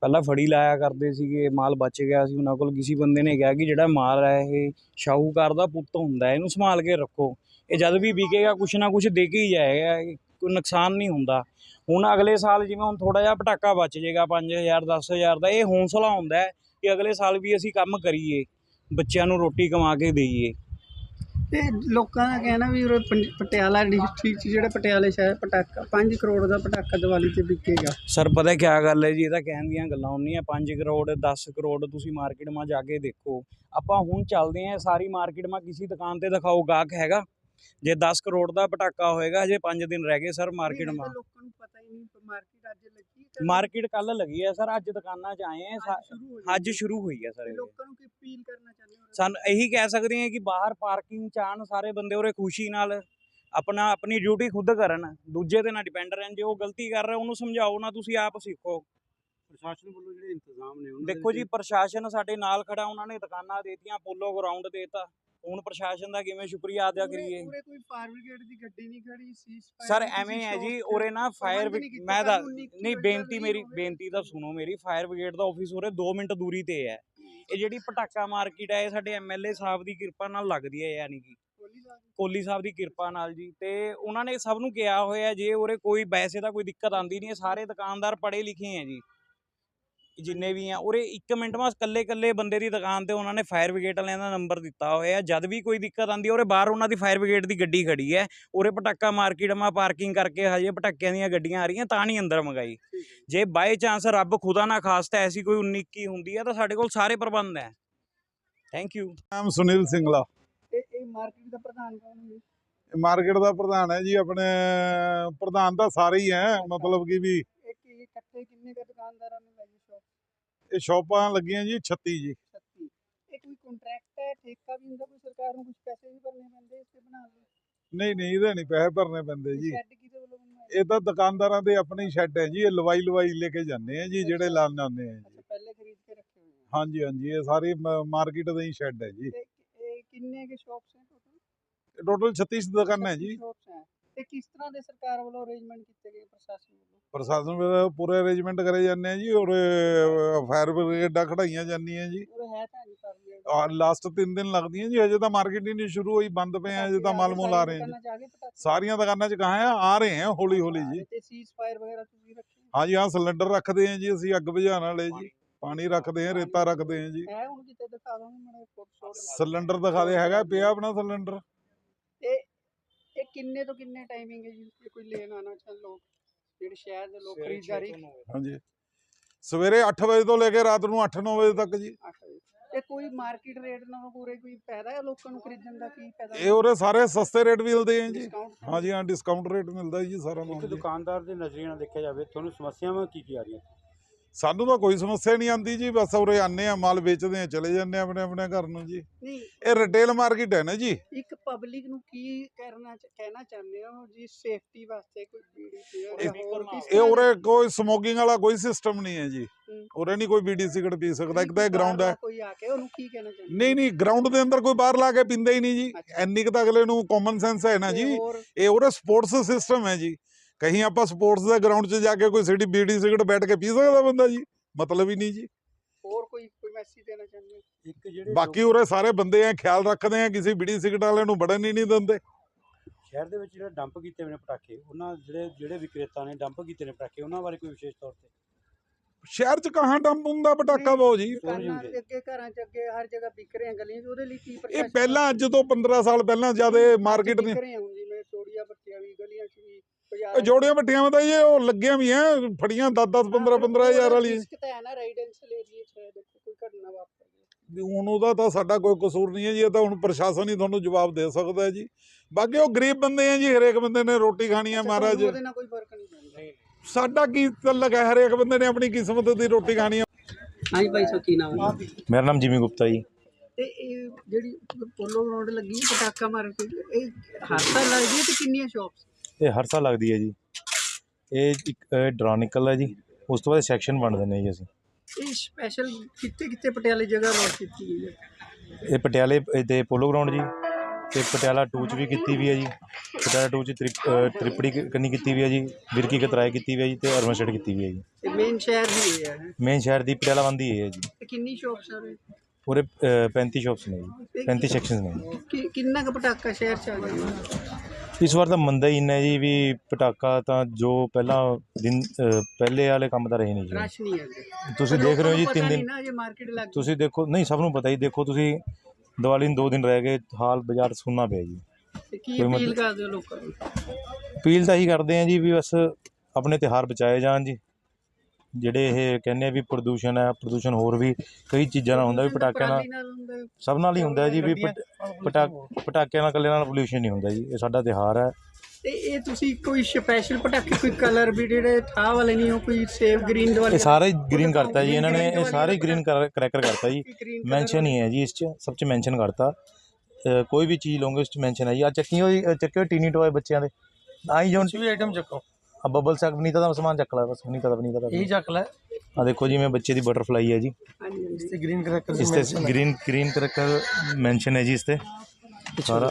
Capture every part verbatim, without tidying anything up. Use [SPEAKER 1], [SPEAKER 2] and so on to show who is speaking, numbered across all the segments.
[SPEAKER 1] ਪਹਿਲਾਂ ਫੜੀ ਲਾਇਆ ਕਰਦੇ ਸੀਗੇ, ਮਾਲ ਬਚ ਗਿਆ ਸੀ ਉਹਨਾਂ ਕੋਲ। ਕਿਸੇ ਬੰਦੇ ਨੇ ਕਿਹਾ ਕਿ ਜਿਹੜਾ ਮਾਲ ਹੈ ਇਹ ਸ਼ਾਹੂਕਾਰ ਦਾ ਪੁੱਤ ਹੁੰਦਾ, ਇਹਨੂੰ ਸੰਭਾਲ ਕੇ ਰੱਖੋ, ਇਹ ਜਦ ਵੀ ਵਿਕੇਗਾ ਕੁਛ ਨਾ ਕੁਛ ਦੇ ਕੇ ਹੀ ਜਾਏਗਾ, ਕੋਈ ਨੁਕਸਾਨ ਨਹੀਂ ਹੁੰਦਾ। ਹੁਣ ਅਗਲੇ ਸਾਲ ਜਿਵੇਂ ਹੁਣ ਥੋੜ੍ਹਾ ਜਿਹਾ ਪਟਾਕਾ ਬਚ ਜਾਏਗਾ ਪੰਜ ਹਜ਼ਾਰ ਦਸ ਹਜ਼ਾਰ ਦਾ, ਇਹ ਹੌਂਸਲਾ ਹੁੰਦਾ ਹੈ ਕਿ ਅਗਲੇ ਸਾਲ ਵੀ ਅਸੀਂ ਕੰਮ ਕਰੀਏ, ਬੱਚਿਆਂ ਨੂੰ ਰੋਟੀ ਕਮਾ ਕੇ ਦੇਈਏ।
[SPEAKER 2] ਤੇ ਲੋਕਾਂ ਦਾ ਕਹਿਣਾ ਵੀ ਉਰੇ ਪੰ- ਪਟਿਆਲਾ ਡਿਸਟ੍ਰਿਕਟ 'ਚ ਜਿਹੜਾ ਪਟਿਆਲੇ ਸ਼ਹਿਰ ਪਟਾਕਾ ਪੰਜ ਕਰੋੜ ਦਾ ਪਟਾਕਾ ਦੀਵਾਲੀ 'ਤੇ ਵਿਕੇਗਾ।
[SPEAKER 1] ਸਰ ਪਤਾ ਕਿਆ ਗੱਲ ਹੈ ਜੀ, ਇਹ ਤਾਂ ਕਹਿਣ ਦੀਆਂ ਗੱਲਾਂ ਹੁੰਦੀਆਂ। ਪੰਜ ਕਰੋੜ ਦਸ ਕਰੋੜ ਤੁਸੀਂ ਮਾਰਕੀਟ ਮਾ ਜਾ ਕੇ ਦੇਖੋ। ਆਪਾਂ ਹੁਣ ਚੱਲਦੇ ਹਾਂ ਸਾਰੀ ਮਾਰਕੀਟ ਮਾ, ਕਿਸੇ ਦੁਕਾਨ ਤੇ ਦਿਖਾਓ ਗਾਹਕ ਹੈਗਾ? ਜੇ ਦਸ ਕਰੋੜ ਦਾ ਪਟਾਕਾ ਹੋਏਗਾ, ਹਜੇ ਪੰਜ ਦਿਨ ਰਹਿ ਗਏ ਸਰ ਮਾਰਕੀਟ ਮਾ।
[SPEAKER 2] ਲੋਕਾਂ ਨੂੰ ਪਤਾ ਹੀ ਨਹੀਂ, ਮਾਰਕੀਟ ਅੱਜ ਲੱਗੀ,
[SPEAKER 1] ਮਾਰਕੀਟ ਕੱਲ ਲੱਗੀ ਹੈ ਸਰ, ਅੱਜ ਦੁਕਾਨਾਂ 'ਚ ਆਏ ਆ, ਅੱਜ ਸ਼ੁਰੂ ਹੋਈ ਹੈ ਸਰ।
[SPEAKER 2] ਲੋਕਾਂ ਨੂੰ ਕੀ ਅਪੀਲ ਕਰਨਾ ਚਾਹੁੰਦੇ ਹੋ?
[SPEAKER 1] ਸਾਨੂੰ ਇਹੀ ਕਹਿ ਸਕਦੇ ਹਾਂ ਕਿ ਬਾਹਰ ਪਾਰਕਿੰਗ 'ਚ ਆਉਣ ਸਾਰੇ ਬੰਦੇ, ਉਰੇ ਖੁਸ਼ੀ ਨਾਲ ਆਪਣਾ ਆਪਣੀ ਡਿਊਟੀ ਖੁਦ ਕਰਨ, ਦੂਜੇ ਤੇ ਨਾ ਡਿਪੈਂਡ ਰਹਿਣ। ਜੇ ਉਹ ਗਲਤੀ ਕਰ ਰਿਹਾ ਉਹਨੂੰ ਸਮਝਾਓ ਨਾ, ਤੁਸੀਂ ਆਪ ਸਿੱਖੋ।
[SPEAKER 2] ਪ੍ਰਸ਼ਾਸਨ ਵੱਲੋਂ ਜਿਹੜੇ ਇੰਤਜ਼ਾਮ ਨੇ
[SPEAKER 1] ਦੇਖੋ ਜੀ, ਪ੍ਰਸ਼ਾਸਨ ਸਾਡੇ ਨਾਲ ਖੜਾ, ਉਹਨਾਂ ਨੇ ਦੁਕਾਨਾਂ ਦੇਤੀਆਂ, ਪੋਲੋ ਗਰਾਊਂਡ ਦੇਤਾ। ਹੁਣ ਪ੍ਰਸ਼ਾਸਨ ਦਾ ਕਿਵੇਂ ਸ਼ੁਕਰੀਆ ਅਦਾ ਕਰੀਏ?
[SPEAKER 2] ਉਰੇ ਕੋਈ ਫਾਇਰ ਬ੍ਰਿਗੇਡ ਦੀ ਗੱਡੀ ਨਹੀਂ ਖੜੀ ਸੀ
[SPEAKER 1] ਸਰ ਐਵੇਂ ਹੈ ਜੀ, ਉਰੇ ਨਾ ਫਾਇਰ ਮੈਂ ਤਾਂ ਨਹੀਂ, ਬੇਨਤੀ ਮੇਰੀ ਬੇਨਤੀ ਤਾਂ ਸੁਣੋ ਮੇਰੀ। ਫਾਇਰ ਬ੍ਰਿਗੇਡ ਦਾ ਆਫਿਸ ਉਰੇ ਦੋ ਮਿੰਟ ਦੂਰੀ ਤੇ ਹੈ। ਇਹ ਜਿਹੜੀ ਪਟਾਕਾ ਮਾਰਕੀਟ ਹੈ, ਇਹ ਸਾਡੇ ਐਮਐਲਏ ਸਾਹਿਬ ਦੀ ਕਿਰਪਾ ਨਾਲ ਲੱਗਦੀ ਹੈ, ਯਾਨੀ ਕਿ ਕੋਹਲੀ ਸਾਹਿਬ ਦੀ ਕਿਰਪਾ ਨਾਲ ਜੀ। ਤੇ ਉਹਨਾਂ ਨੇ ਸਭ ਨੂੰ ਕਿਹਾ ਹੋਇਆ, ਜੇ ਉਰੇ ਕੋਈ ਵੈਸੇ ਤਾਂ ਕੋਈ ਦਿੱਕਤ ਆਉਂਦੀ ਨਹੀਂ ਹੈ, ਸਾਰੇ ਦੁਕਾਨਦਾਰ ਪੜ੍ਹੇ ਲਿਖੇ ਹੈ ਜੀ ਜਿੰਨੇ ਵੀ ਆ ਉਰੇ। ਇੱਕ ਮਿੰਟ ਬਾਅਦ ਇਕੱਲੇ ਇਕੱਲੇ ਬੰਦੇ ਦੀ ਦੁਕਾਨ ਤੇ ਉਹਨਾਂ ਨੇ ਫਾਇਰ ਬ੍ਰਿਗੇਡ ਵਾਲਿਆਂ ਦਾ ਨੰਬਰ ਦਿੱਤਾ ਹੋਇਆ। ਜਦ ਵੀ ਕੋਈ ਦਿੱਕਤ ਆਉਂਦੀ ਹੈ, ਉਰੇ ਬਾਹਰ ਉਹਨਾਂ ਦੀ ਫਾਇਰ ਬ੍ਰਿਗੇਡ ਦੀ ਗੱਡੀ ਖੜੀ ਹੈ। ਉਰੇ ਪਟਾਕਾ ਮਾਰਕੀਟ ਮਾ ਪਾਰਕਿੰਗ ਕਰਕੇ ਹਜੇ ਪਟਾਕਿਆਂ ਦੀਆਂ ਗੱਡੀਆਂ ਆ ਰਹੀਆਂ, ਤਾਂ ਨਹੀਂ ਅੰਦਰ ਮੰਗਾਈ। ਜੇ ਬਾਈ ਚਾਂਸ ਰੱਬ ਖੁਦਾ ਨਾ ਖਾਸਤਾ ਐਸੀ ਕੋਈ ਉੱਨੀ ਇੱਕੀ ਹੁੰਦੀ ਹੈ, ਤਾਂ ਸਾਡੇ ਕੋਲ ਸਾਰੇ ਪ੍ਰਬੰਧ ਹੈ। Thank you.
[SPEAKER 3] ਨਾਮ ਸੁਨੀਲ ਸਿੰਗਲਾ।
[SPEAKER 2] ਇਹ ਮਾਰਕੀਟ ਦਾ ਪ੍ਰਧਾਨ ਕੌਣ ਹੈ?
[SPEAKER 3] ਮਾਰਕੀਟ ਦਾ ਪ੍ਰਧਾਨ ਹੈ ਜੀ, ਆਪਣੇ ਪ੍ਰਧਾਨ ਤਾਂ ਸਾਰੇ ਹੀ ਹੈ, ਮਤਲਬ ਕਿ ਵੀ
[SPEAKER 2] ਇੱਕ ਇਕੱਠੇ ਕਿੰਨੇ ਕੁ ਦੁਕਾਨਦਾਰਾਂ ਨੇ ਲਾਈ ਸ਼ੌਪ?
[SPEAKER 3] ਇਹ ਸ਼ੌਪਾਂ ਲੱਗੀਆਂ ਜੀ ਛੱਤੀ ਜੀ।
[SPEAKER 2] ਛੱਤੀ। ਇਹ ਕੋਈ ਕੰਟਰੈਕਟ ਹੈ, ਠੇਕਾ ਵੀ ਹੁੰਦਾ ਕੋਈ? ਸਰਕਾਰ ਨੂੰ ਕੁਝ ਪੈਸੇ ਵੀ ਭਰਨੇ ਪੈਂਦੇ ਇਸ ਤੇ ਬਣਾਉਣ ਲਈ?
[SPEAKER 3] ਨਹੀਂ ਨਹੀਂ, ਇਹਦੇ ਨਹੀਂ ਪੈਸੇ ਭਰਨੇ ਪੈਂਦੇ ਜੀ।
[SPEAKER 2] ਸ਼ੈੱਡ ਕਿਹਦੇ ਵੱਲੋਂ ਬਣਵਾਇਆ?
[SPEAKER 3] ਇਹ ਤਾਂ ਦੁਕਾਨਦਾਰਾਂ ਦੇ ਆਪਣੀ ਸ਼ੈੱਡ ਹੈ ਜੀ, ਇਹ ਲਵਾਈ ਲਵਾਈ ਲੈ ਕੇ ਜਾਂਦੇ ਆ ਜੀ, ਜਿਹੜੇ ਲਾਣ ਜਾਂਦੇ ਆ ਜੀ।
[SPEAKER 2] ਅੱਛਾ, ਪਹਿਲੇ ਖਰੀਦ ਕੇ ਰੱਖੇ ਹੋਏ ਆ।
[SPEAKER 3] ਹਾਂਜੀ ਹਾਂਜੀ, ਇਹ ਸਾਰੀ ਮਾਰਕੀਟ ਦਾ ਹੀ ਸ਼ੈੱਡ ਹੈ ਜੀ।
[SPEAKER 2] ਤੇ ਇਹ ਕਿੰਨੇ ਕੇ ਸ਼ਾਪਸ ਹੈ ਟੋਟਲ?
[SPEAKER 3] ਟੋਟਲ ਛੱਤੀ ਦੁਕਾਨਾਂ ਹੈ ਜੀ।
[SPEAKER 2] ਸ਼ਾਪਸ ਹੈ। ਤੇ ਕਿਸ ਤਰ੍ਹਾਂ ਦੇ ਸਰਕਾਰ ਵੱਲੋਂ ਅਰੇਂਜਮੈਂਟ ਕੀਤੇ ਗਏ ਪ੍ਰਸ਼ਾਸਨ ਵੱਲੋਂ?
[SPEAKER 3] ਪ੍ਰਸ਼ਾਸਨ ਵੱਲੋਂ ਪੂਰੇ ਅਰੇਂਜਮੈਂਟ ਕਰੇ ਜਾਂਦੇ ਆ ਜੀ, ਔਰ ਫਾਇਰ ਬ੍ਰਿਗੇਡਾਂ ਖੜਾਈਆਂ ਜਾਂਦੀਆਂ ਜੀ।
[SPEAKER 2] ਉਹ ਹੈ ਤਾਂ ਨਹੀਂ ਕਰ ਲਿਆ।
[SPEAKER 3] ਔਰ ਲਾਸਟ ਤਿੰਨ ਦਿਨ ਲੱਗਦੀਆਂ ਜੀ, ਹਜੇ ਤਾਂ ਮਾਰਕੀਟ ਹੀ ਨਹੀਂ ਸ਼ੁਰੂ ਹੋਈ, ਬੰਦ ਪਏ ਆ, ਹਜੇ ਤਾਂ ਮਾਲ ਮੂਲ ਆ ਰਹੇ ਆ ਜੀ। ਸਾਰੀਆਂ ਦੁਕਾਨਾਂ 'ਚ ਕਹਾਂ ਆ ਆ ਰਹੇ ਆ ਹੌਲੀ ਹੌਲੀ ਜੀ।
[SPEAKER 2] ਤੇ ਸੀਜ਼ ਫਾਇਰ ਵਗੈਰਾ ਤੁਸੀਂ ਰੱਖੇ?
[SPEAKER 3] ਹਾਂਜੀ ਹਾਂ, ਸਿਲੰਡਰ ਰੱਖਦੇ ਆ ਜੀ ਅਸੀਂ, ਅੱਗ ਬੁਝਾਉਣ ਵਾਲੇ ਜੀ, ਪਾਣੀ ਰੱਖਦੇ ਆ, ਰੇਤਾ ਰੱਖਦੇ ਆ ਜੀ।
[SPEAKER 2] ਹੈ ਹੁਣ ਕਿਤੇ ਦਿਖਾ ਦੋ ਮੈਨੂੰ ਫੋਟੋ।
[SPEAKER 3] ਸਿਲੰਡਰ ਦਿਖਾ ਦੇ, ਹੈਗਾ ਪਿਆ ਆਪਣਾ ਸਿਲੰਡਰ।
[SPEAKER 2] ਤੇ ਇਹ ਕਿੰਨੇ ਤੋਂ ਕਿੰਨੇ ਟਾਈਮਿੰਗ ਹੈ ਜੀ, ਜੇ ਕੋਈ ਲੈਣ ਆਣਾ ਚਾਹੇ ਲੋਕ, ਜਿਹੜੇ ਸ਼ਹਿਰ ਦੇ ਲੋਕ ਖਰੀਦਦਾਰੀ?
[SPEAKER 3] ਹਾਂਜੀ, ਸਵੇਰੇ ਅੱਠ ਵਜੇ ਤੋਂ ਲੈ ਕੇ ਰਾਤ ਨੂੰ ਅੱਠ ਨੌ ਵਜੇ ਤੱਕ ਜੀ।
[SPEAKER 2] ਤੇ ਕੋਈ ਮਾਰਕੀਟ ਰੇਟ ਨਾਲੋਂ ਪੂਰੇ ਕੋਈ ਫਾਇਦਾ ਹੈ ਲੋਕਾਂ ਨੂੰ ਖਰੀਦਣ ਦਾ? ਕੀ ਫਾਇਦਾ?
[SPEAKER 3] ਇਹ ਉਰੇ ਸਾਰੇ ਸਸਤੇ ਰੇਟ ਮਿਲਦੇ ਆ ਜੀ। ਹਾਂਜੀ ਹਾਂ, ਡਿਸਕਾਊਂਟ ਰੇਟ ਮਿਲਦਾ ਜੀ ਸਾਰਾ ਨੂੰ।
[SPEAKER 4] ਦੁਕਾਨਦਾਰ ਦੇ ਨਜ਼ਰੀਏ ਨਾਲ ਦੇਖਿਆ ਜਾਵੇ, ਤੁਹਾਨੂੰ ਸਮੱਸਿਆਵਾਂ ਕੀ ਕੀ ਆ ਰਹੀਆਂ?
[SPEAKER 3] ਸਾਨੂੰ ਤਾਂ ਕੋਈ ਸਮੱਸਿਆ ਨਹੀਂ ਆਉਂਦੀ ਜੀ, ਬਸ ਉਰੇ ਆਨੇ ਆ, ਮਾਲ ਵੇਚਦੇ ਆ, ਚਲੇ ਜਾਂਦੇ ਆ ਆਪਣੇ ਆਪਣੇ ਘਰ ਨੂੰ ਜੀ।
[SPEAKER 2] ਨਹੀਂ,
[SPEAKER 3] ਇਹ ਰਿਟੇਲ ਮਾਰਕੀਟ ਹੈ ਨਾ ਜੀ।
[SPEAKER 2] ਇੱਕ ਪਬਲਿਕ ਨੂੰ ਕੀ ਕਰਨਾ ਕਹਿਣਾ ਚਾਹੁੰਦੇ ਹੋ ਜੀ, ਸੇਫਟੀ ਵਾਸਤੇ ਕੋਈ ਬੀੜੀ?
[SPEAKER 3] ਇਹ ਉਰੇ ਕੋਈ ਸਮੋਕਿੰਗ ਵਾਲਾ ਕੋਈ ਸਿਸਟਮ ਨਹੀਂ ਹੈ ਜੀ। ਉਰੇ ਨਹੀਂ ਕੋਈ ਬੀੜੀ ਸਿਗਰਟ ਪੀ ਸਕਦਾ। ਇੱਕ ਤਾਂ ਇਹ ਗਰਾਊਂਡ ਹੈ।
[SPEAKER 2] ਕੋਈ ਆ ਕੇ ਉਹਨੂੰ ਕੀ ਕਹਿਣਾ ਚਾਹੁੰਦੇ?
[SPEAKER 3] ਨਹੀਂ ਨਹੀਂ, ਗਰਾਊਂਡ ਦੇ ਅੰਦਰ ਕੋਈ ਬਾਹਰ ਲਾ ਕੇ ਪੀਂਦਾ ਹੀ ਨਹੀਂ ਜੀ। ਇੰਨੀ ਕੁ ਤਾਂ ਅਗਲੇ ਨੂੰ ਕਾਮਨ ਸੈਂਸ ਹੈ ਨਾ ਜੀ। ਇਹ ਉਰੇ ਸਪੋਰਟਸ ਸਿਸਟਮ ਹੈ ਜੀ। ਕਹੀਂ ਆਪਾਂ ਸਪੋਰਟਸ ਦੇ ਗਰਾਊਂਡ 'ਚ ਜਾ ਕੇ ਕੋਈ ਸਿਟੀ ਬੀੜੀ ਸਿਗਰਟ ਬੈਠ ਕੇ ਪੀ ਸਕਦਾ ਬੰਦਾ ਜੀ? ਮਤਲਬ ਹੀ ਨਹੀਂ ਜੀ।
[SPEAKER 2] ਹੋਰ ਕੋਈ ਕੋਈ ਮੈਸੇਜ ਦੇਣਾ ਚਾਹੁੰਦੇ?
[SPEAKER 4] ਇੱਕ ਜਿਹੜੇ
[SPEAKER 3] ਬਾਕੀ ਉਰੇ ਸਾਰੇ ਬੰਦੇ ਆ, ਖਿਆਲ ਰੱਖਦੇ ਆ, ਕਿਸੇ ਬੀੜੀ ਸਿਗਰਟ ਵਾਲਿਆਂ ਨੂੰ ਵੜਨ ਹੀ ਨਹੀਂ ਦਿੰਦੇ।
[SPEAKER 4] ਸ਼ਹਿਰ ਦੇ ਵਿੱਚ ਜਿਹੜੇ ਡੰਪ ਕੀਤੇ ਹੋਏ ਨੇ ਪਟਾਕੇ, ਉਹਨਾਂ ਜਿਹੜੇ ਜਿਹੜੇ ਵਿਕਰੇਤਾ ਨੇ ਡੰਪ ਕੀਤੇ ਨੇ ਪਟਾਕੇ, ਉਹਨਾਂ ਬਾਰੇ ਕੋਈ ਵਿਸ਼ੇਸ਼ ਤੌਰ ਤੇ?
[SPEAKER 3] ਸ਼ਹਿਰ 'ਚ ਕਹਾਂ ਡੰਪ ਹੁੰਦਾ ਪਟਾਕਾ ਬਾਉ ਜੀ?
[SPEAKER 2] ਦੁਕਾਨਾਂ ਦੇ ਅੱਗੇ, ਘਰਾਂ 'ਚ ਅੱਗੇ, ਹਰ ਜਗ੍ਹਾ ਵਿਕ ਰਹੇ ਆ ਗਲੀਆਂ 'ਚ। ਉਹਦੇ ਲਈ ਕੀ
[SPEAKER 3] ਇਹ ਪਹਿਲਾਂ ਅੱਜ ਤੋਂ ਪੰਦਰਾਂ ਸਾਲ ਪਹਿਲਾਂ ਜਦ ਇਹ ਮਾਰਕੀਟ ਨੇ
[SPEAKER 2] ਜਿਵੇਂ ਚੋੜੀਆਂ ਬੱਟੀਆਂ ਵੀ ਗਲੀਆਂ 'ਚ ਵੀ,
[SPEAKER 3] ਜੋੜੀਆਂ ਭੱਟੀਆਂ ਤਾਂ ਇਹ ਉਹ ਲੱਗੀਆਂ ਵੀ ਐ, ਫੜੀਆਂ ਦਸ ਦਸ ਪੰਦਰਾਂ ਪੰਦਰਾਂ ਹਜ਼ਾਰ ਵਾਲੀ। ਹੁਣ ਉਹਦਾ ਤਾਂ ਸਾਡਾ ਕੋਈ ਕਸੂਰ ਨਹੀਂ ਹੈ ਜੀ, ਇਹ ਤਾਂ ਹੁਣ ਪ੍ਰਸ਼ਾਸਨ ਹੀ ਤੁਹਾਨੂੰ ਜਵਾਬ ਦੇ ਸਕਦਾ ਹੈ ਜੀ। ਬਾਕੀ ਉਹ ਗਰੀਬ ਬੰਦੇ ਆ ਜੀ, ਹਰੇਕ ਬੰਦੇ ਨੇ ਰੋਟੀ ਖਾਣੀ ਹੈ ਮਹਾਰਾਜ।
[SPEAKER 2] ਉਹਦੇ ਨਾਲ ਕੋਈ ਫਰਕ ਨਹੀਂ।
[SPEAKER 3] ਸਾਡਾ ਕੀ ਤਲਕ ਹੈ, ਹਰੇਕ ਬੰਦੇ ਨੇ ਆਪਣੀ ਕਿਸਮਤ ਦੀ ਰੋਟੀ ਖਾਣੀ ਹੈ।
[SPEAKER 2] ਹਾਂਜੀ ਭਾਈ ਸਾਹਿਬ, ਕੀ ਨਾਮ ਹੈ?
[SPEAKER 5] ਮੇਰਾ ਨਾਮ ਜਿਮੀ ਗੁਪਤਾ ਜੀ।
[SPEAKER 2] ਤੇ ਇਹ ਜਿਹੜੀ ਪੋਲੋ ਗਰਾਊਂਡ ਲੱਗੀ ਹੈ ਪਟਾਕਾ ਮਾਰਕੀਟ, ਇਹ ਹਰ ਸਾਲ ਲੱਗਦੀ ਹੈ ਤੇ ਕਿੰਨੀਆਂ ਸ਼ਾਪਸ?
[SPEAKER 5] ਇਹ ਹਰ ਸਾਲ ਲੱਗਦੀ ਹੈ ਜੀ। ਇਹ ਇੱਕ ਡਰਾ ਨਿਕਲਦਾ ਜੀ, ਉਸ ਤੋਂ ਬਾਅਦ ਸੈਕਸ਼ਨ ਬਣਦੇ ਨੇ ਜੀ ਅਸੀਂ।
[SPEAKER 2] ਇਹ ਸਪੈਸ਼ਲ ਕਿੱਥੇ ਕਿੱਥੇ ਪਟਿਆਲੇ ਜਗ੍ਹਾ ਅਲਾਟ ਕੀਤੀ ਗਈ ਹੈ?
[SPEAKER 5] ਇਹ ਪਟਿਆਲੇ ਦੇ ਪੋਲੋ ਗਰਾਊਂਡ ਜੀ, ਤੇ ਪਟਿਆਲਾ ਟੂ 'ਚ ਵੀ ਕੀਤੀ ਵੀ ਹੈ ਜੀ। ਪਟਿਆਲਾ ਟੂ 'ਚ ਤ੍ਰਿਪ ਅ, ਤ੍ਰਿਪੜੀ ਕ- ਕੰਨੀ ਕੀਤੀ ਵੀ ਹੈ ਜੀ, ਵਿਰਕੀ ਕਤਰਾਏ ਕੀਤੀ ਵੀ ਹੈ ਜੀ, ਤੇ ਅਰਬਨ ਸਟੇਟ ਕੀਤੀ ਵੀ ਹੈ ਜੀ।
[SPEAKER 2] ਤੇ ਮੇਨ ਸ਼ਹਿਰ ਵੀ ਇਹ ਹੈ
[SPEAKER 5] ਮੇਨ ਸ਼ਹਿਰ ਦੀ ਪਟਿਆਲਾ ਬੰਦੀ ਇਹ ਹੈ ਜੀ।
[SPEAKER 2] ਤੇ ਕਿੰਨੀ ਸ਼ੋਪਸ ਆ ਉਰੇ?
[SPEAKER 5] ਪੂਰੇ ਅ, ਪੈਂਤੀ ਸ਼ਾਪਸ ਨੇ ਜੀ, ਪੈਂਤੀ ਸੈਕਸ਼ਨਸ ਨੇ ਜੀ।
[SPEAKER 2] ਕਿ ਕਿੰਨਾ ਕੁ ਪਟਾਕਾ ਸ਼ਹਿਰ ਚ ਆ ਜਾਂਦਾ?
[SPEAKER 5] ਇਸ ਵਾਰ ਤਾਂ ਮੰਦਾ ਹੀ ਇੰਨਾ ਜੀ ਵੀ ਪਟਾਕਾ ਤਾਂ ਜੋ ਪਹਿਲਾਂ ਦਿਨ ਅ, ਪਹਿਲੇ ਵਾਲੇ ਕੰਮ ਤਾਂ ਰਹੇ ਨਹੀਂ ਜੀ।
[SPEAKER 2] ਰਸ਼ ਨਹੀਂ ਹੈ ਅੱਗੇ।
[SPEAKER 5] ਤੁਸੀਂ ਦੇਖ ਰਹੇ ਹੋ ਜੀ ਤਿੰਨ ਦਿਨ,
[SPEAKER 2] ਨਾ ਜੇ ਮਾਰਕੀਟ ਲੱਗ ਗਈ।
[SPEAKER 5] ਤੁਸੀਂ ਦੇਖੋ ਨਹੀਂ ਸਭ ਨੂੰ ਪਤਾ ਹੀ, ਦੇਖੋ ਤੁਸੀਂ ਦੀਵਾਲੀ ਨੂੰ ਦੋ ਦਿਨ ਰਹਿ ਗਏ, ਹਾਲ ਬਾਜ਼ਾਰ ਸੁੰਨਾ ਪਿਆ ਜੀ।
[SPEAKER 2] ਤੇ ਕੀ
[SPEAKER 5] ਕੋਈ
[SPEAKER 2] ਅਪੀਲ
[SPEAKER 5] ਮਤਲਬ-
[SPEAKER 2] ਕਰਦੇ ਹੋ ਲੋਕਾਂ ਨੂੰ?
[SPEAKER 5] ਅਪੀਲ ਤਾਂ ਇਹੀ ਕਰਦੇ ਆ ਜੀ ਵੀ ਬਸ ਆਪਣੇ ਤਿਉਹਾਰ ਬਚਾਏ ਜਾਣ ਜੀ। ਜਿਹੜੇ ਇਹ ਕਹਿੰਦੇ ਆ ਵੀ ਪ੍ਰਦੂਸ਼ਣ ਹੈ, ਪ੍ਰਦੂਸ਼ਣ ਹੋਰ ਵੀ ਕਈ ਚੀਜ਼ਾਂ ਨਾਲ ਹੁੰਦਾ ਵੀ ਪਟਾਕਿਆਂ ਨਾਲ,
[SPEAKER 2] ਪਰਾਲੀ ਨਾਲ ਹੁੰਦਾ ਹੈ।
[SPEAKER 5] ਸਭ ਨਾਲ ਹੀ ਹੁੰਦਾ ਜੀ ਵੀ ਪਟ- ਪਟਾ ਪਟਾਕਿਆਂ ਨਾਲ ਇਕੱਲੇ ਨਾਲ ਪੋਲਿਊਸ਼ਨ ਨਹੀਂ ਹੁੰਦਾ ਜੀ। ਇਹ ਸਾਡਾ ਤਿਉਹਾਰ ਹੈ।
[SPEAKER 2] ਤੇ ਇਹ ਤੁਸੀਂ ਕੋਈ ਸਪੈਸ਼ਲ ਪਟਾਕੇ, ਕੋਈ ਕਲਰ ਵੀ ਜਿਹੜੇ ਠਾਹ ਵਾਲੇ ਨਹੀਂ, ਉਹ ਕੋਈ ਸੇਵ ਗ੍ਰੀਨ ਵਾਲੇ?
[SPEAKER 5] ਇਹ ਸਾਰੇ ਗ੍ਰੀਨ ਕਰਤਾ ਜੀ ਇਹਨਾਂ ਨੇ, ਇਹ ਸਾਰੇ ਗ੍ਰੀਨ ਕਰੈਕਰ ਕਰਤਾ ਜੀ।
[SPEAKER 2] green
[SPEAKER 5] ਮੈਂਸ਼ਨ ਹੀ ਹੈ ਜੀ ਇਸ 'ਚ, ਸਭ 'ਚ ਮੈਂਸ਼ਨ ਕਰਤਾ। ਅ, ਕੋਈ ਵੀ ਚੀਜ਼ ਲਓਗੇ ਉਸ 'ਚ ਮੈਂਸ਼ਨ ਹੈ ਜੀ। ਆ ਚੱਕੀਆਂ ਹੋਈ ਚੱਕੇ ਟੀਨੀ ਟੋਏ ਬੱਚਿਆਂ ਦੇ ਆਈ ਜੋਨ
[SPEAKER 6] ਵੀ ਆਈਟਮ ਚੱਕੋ,
[SPEAKER 5] ਆ ਬਬਲ ਸੈਕ ਵਨੀਤਾ ਦਾ ਸਮਾਨ ਚੱਕ ਲੈ, ਬਸ ਵਨੀਤਾ ਦਾ ਵਨੀਤਾ ਦਾ
[SPEAKER 6] ਇਹੀ ਚੱਕ ਲੈ।
[SPEAKER 5] ਆ ਦੇਖੋ ਜਿਵੇਂ ਬੱਚੇ ਦੀ ਬਟਰਫਲਾਈ ਹੈ ਜੀ,
[SPEAKER 2] ਹਾਂਜੀ ਹਾਂਜੀ।
[SPEAKER 6] ਤੇ ਗ੍ਰੀਨ ਕਰੈਕਰ
[SPEAKER 5] ਇਸ ਤੇ ਗ੍ਰੀਨ ਗ੍ਰੀਨ ਕਰੈਕਰ ਮੈਂਸ਼ਨ ਹੈ ਜੀ ਇਸ ਤੇ ਸਾਰਾ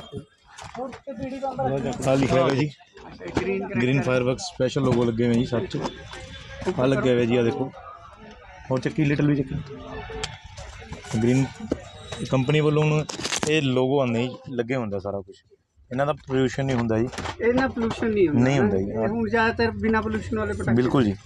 [SPEAKER 5] ਆ ਲਿਖਿਆ ਹੋਇਆ ਜੀ।
[SPEAKER 2] Green
[SPEAKER 5] green fireworks special logo ਲੱਗੇ ਹੋਏ ਜੀ ਸਭ 'ਚ। ਆ ਲੱਗਿਆ ਹੋਇਆ ਜੀ, ਆ ਦੇਖੋ ਹੋਰ ਚੱਕੀ ਲਿਟਲ ਵੀ ਚੱਕੀ ਗ੍ਰੀਨ ਕੰਪਨੀ ਵੱਲੋਂ ਹੁਣ ਇਹ ਲੋਗੋ ਆਉਂਦੇ ਜੀ, ਲੱਗੇ ਹੁੰਦਾ ਸਾਰਾ ਕੁਝ। ਇਹਨਾਂ ਦਾ ਪੋਲਿਊਸ਼ਨ ਨਹੀਂ ਹੁੰਦਾ ਜੀ,
[SPEAKER 2] ਇਹਨਾਂ ਪੋਲੂਸ਼ਨ ਨਹੀਂ ਹੁੰਦਾ?
[SPEAKER 5] ਨਹੀਂ ਹੁੰਦਾ ਜੀ।
[SPEAKER 2] ਇਹ ਹੁਣ ਜ਼ਿਆਦਾਤਰ ਬਿਨਾ ਪੋਲੂਸ਼ਨ ਵਾਲੇ ਪਟਾਕੇ।
[SPEAKER 5] ਬਿਲਕੁਲ ਜੀ।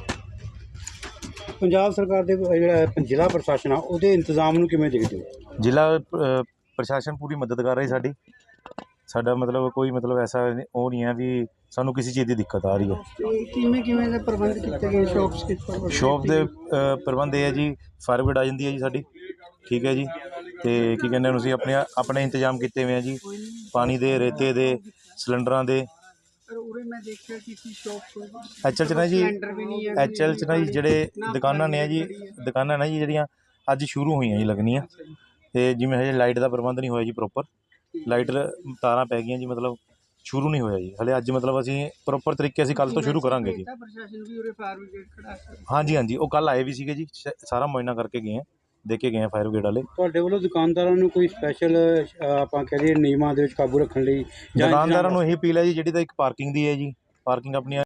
[SPEAKER 4] ਪੰਜਾਬ ਸਰਕਾਰ ਦੇ ਜਿਹੜਾ ਜ਼ਿਲ੍ਹਾ ਪ੍ਰਸ਼ਾਸਨ ਆ ਉਹਦੇ ਇੰਤਜ਼ਾਮ ਨੂੰ ਕਿਵੇਂ ਦੇਖਦੇ ਹੋ?
[SPEAKER 5] ਜ਼ਿਲ੍ਹਾ ਅ, ਪ੍ਰਸ਼ਾਸਨ ਪੂਰੀ ਮਦਦ ਕਰ ਰਹੀ ਸਾਡੀ। ਸਾਡਾ ਮਤਲਬ ਕੋਈ ਮਤਲਬ ਐਸਾ ਨਹੀਂ- ਉਹ ਨਹੀਂ ਹੈ ਵੀ ਸਾਨੂੰ ਕਿਸੇ ਚੀਜ਼ ਦੀ ਦਿੱਕਤ ਆ ਰਹੀ ਹੈ।
[SPEAKER 2] ਤੇ ਕਿਵੇਂ ਕਿਵੇਂ ਦੇ ਪ੍ਰਬੰਧ ਕੀਤੇ ਗਏ ਸ਼ਾਪਸ ਕਿਸ ਪਰ?
[SPEAKER 5] ਸ਼ੋਪ ਦੇ ਅ, ਪ੍ਰਬੰਧ ਇਹ ਹੈ ਜੀ, ਫਾਇਰ ਬ੍ਰਿਗੇਡ ਆ ਜਾਂਦੀ ਹੈ ਜੀ ਸਾਡੀ, ਠੀਕ ਹੈ ਜੀ। ਤੇ ਕੀ ਕਹਿੰਦੇ ਨੇ ਅਸੀਂ ਆਪਣੇ ਆਪਣੇ ਇੰਤਜ਼ਾਮ ਕੀਤੇ ਹੋਏ ਆ ਜੀ, ਪਾਣੀ ਦੇ, ਰੇਤੇ ਦੇ, ਸਿਲੰਡਰਾਂ ਦੇ।
[SPEAKER 2] ਪਰ ਉਰੇ ਮੈਂ ਦੇਖਿਆ ਕਿਸੇ ਸ਼ਾਪ ਕੋਲ
[SPEAKER 5] ਐਚ ਐਲ 'ਚ ਨਾ ਜੀ,
[SPEAKER 2] ਸਿਲੰਡਰ ਵੀ ਨਹੀਂ ਹੈ।
[SPEAKER 5] ਐਚ ਐਲ 'ਚ ਨਾ ਜੀ ਜਿਹੜੇ ਦੁਕਾਨਾਂ ਨੇ ਜੀ, ਦੁਕਾਨਾਂ ਨੇ ਜੀ ਜਿਹੜੀਆਂ ਅੱਜ ਸ਼ੁਰੂ ਹੋਈਆਂ ਜੀ ਲੱਗਣੀਆਂ। ਤੇ ਜਿਵੇਂ ਹਜੇ ਲਾਈਟ ਦਾ ਪ੍ਰਬੰਧ ਨਹੀਂ ਹੋਇਆ ਜੀ ਪ੍ਰੋਪਰ, ਲਾਈਟ ਤਾਰਾਂ ਪੈ ਗਈਆਂ ਜੀ, ਮਤਲਬ ਸ਼ੁਰੂ ਨਹੀਂ ਹੋਇਆ ਜੀ ਹਲੇ। ਅੱਜ ਮਤਲਬ ਅਸੀਂ ਪ੍ਰੋਪਰ ਤਰੀਕੇ ਅਸੀਂ ਕੱਲ੍ਹ ਤੋਂ ਸ਼ੁਰੂ ਕਰਾਂਗੇ ਜੀ।
[SPEAKER 2] ਪ੍ਰਸ਼ਾਸਨ ਵੀ ਉਰੇ ਫਾਇਰ ਬ੍ਰਿਗੇਡ ਖੜਾ ਹੈ।
[SPEAKER 5] ਹਾਂਜੀ ਹਾਂਜੀ, ਉਹ ਕੱਲ੍ਹ ਆਏ ਵੀ ਸੀਗੇ ਜੀ, ਸ਼- ਸਾਰਾ ਮੁਆਇਨਾ ਕਰਕੇ ਗਏ ਆ, ਦੇਖ ਕੇ ਗਏ ਆ ਫਾਇਰ ਬ੍ਰਿਗੇਡ ਵਾਲੇ।
[SPEAKER 4] ਤੁਹਾਡੇ ਵੱਲੋਂ ਦੁਕਾਨਦਾਰਾਂ ਨੂੰ ਕੋਈ ਸਪੈਸ਼ਲ ਆਪਾਂ ਕਹਿ ਦਈਏ ਨਿਯਮਾਂ ਦੇ ਵਿੱਚ ਕਾਬੂ ਰੱਖਣ ਲਈ ਜਾਂ
[SPEAKER 5] ਦੁਕਾਨਦਾਰਾਂ ਨੂੰ ਇਹੀ ਅਪੀਲ ਹੈ ਜੀ, ਜਿਹੜੀ ਤਾਂ ਇੱਕ ਪਾਰਕਿੰਗ ਦੀ ਹੈ ਜੀ, ਪਾਰਕਿੰਗ ਆਪਣੀਆਂ